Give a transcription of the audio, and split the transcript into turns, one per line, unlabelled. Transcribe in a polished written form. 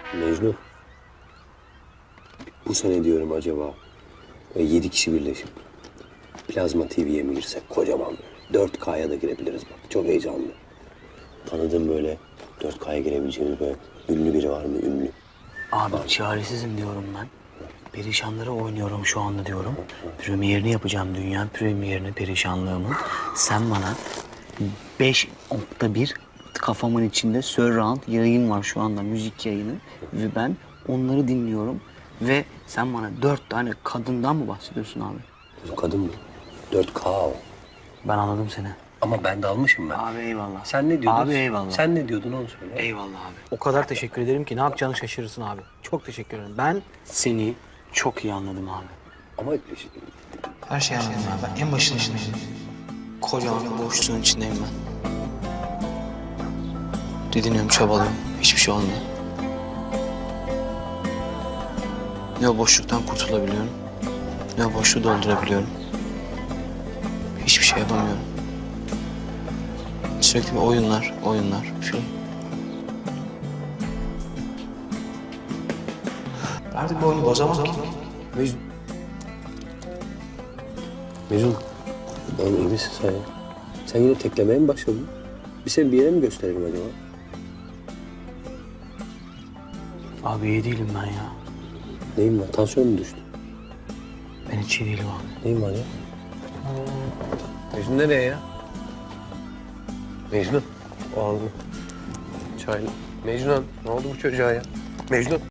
Mecnun. Bu sene diyorum acaba 7 kişi birleşip Plazma TV'ye mi girsek kocaman böyle. 4K'ya da girebiliriz bak. Çok heyecanlı. Tanıdığım böyle 4K'ya girebileceğimiz böyle ünlü biri var mı? Ünlü.
Abi çaresizim diyorum ben. Perişanları oynuyorum şu anda diyorum. Premierini yapacağım, dünya premierini, perişanlığımın. Sen bana 5.1 kafamın içinde surround yayın var şu anda, müzik yayını. Ve ben onları dinliyorum. Ve sen bana 4 tane kadından mı bahsediyorsun abi?
Kadın mı? 4K o.
Ben anladım seni.
Ama ben dalmışım ben.
Abi eyvallah.
Sen ne diyordun?
Abi eyvallah.
Sen ne diyordun onu söyle.
Eyvallah abi.
O kadar teşekkür ederim ki ne yapacağını şaşırırsın abi. Çok teşekkür ederim. Ben
Seni çok iyi anladım abi.
Ama
her şeyi anladım abi. Ben en başındayım.
Kocaman bir boşluğun içindeyim ben. Didiniyorum, çabalıyorum. Hiçbir şey olmuyor. Ne o boşluktan kurtulabiliyorum, ne o boşluğu doldurabiliyorum. Hiçbir şey yapamıyorum. Sürekli bir oyunlar, film.
Artık bu oyunu bozamam ki.
Mecnun. Mecnun. Oğlum iyi misin sen ya? Sen yine teklemeye mi başladın? Bir seni bir yere mi gösterelim acaba?
Abi iyi değilim ben ya.
Neyin var? Tansiyon mu düştü?
Ben hiç iyi değilim abi.
Neyin var ya? Mecnun nereye ya? Mecnun. O aldı. Çay. Mecnun ne oldu bu çocuğa ya? Mecnun.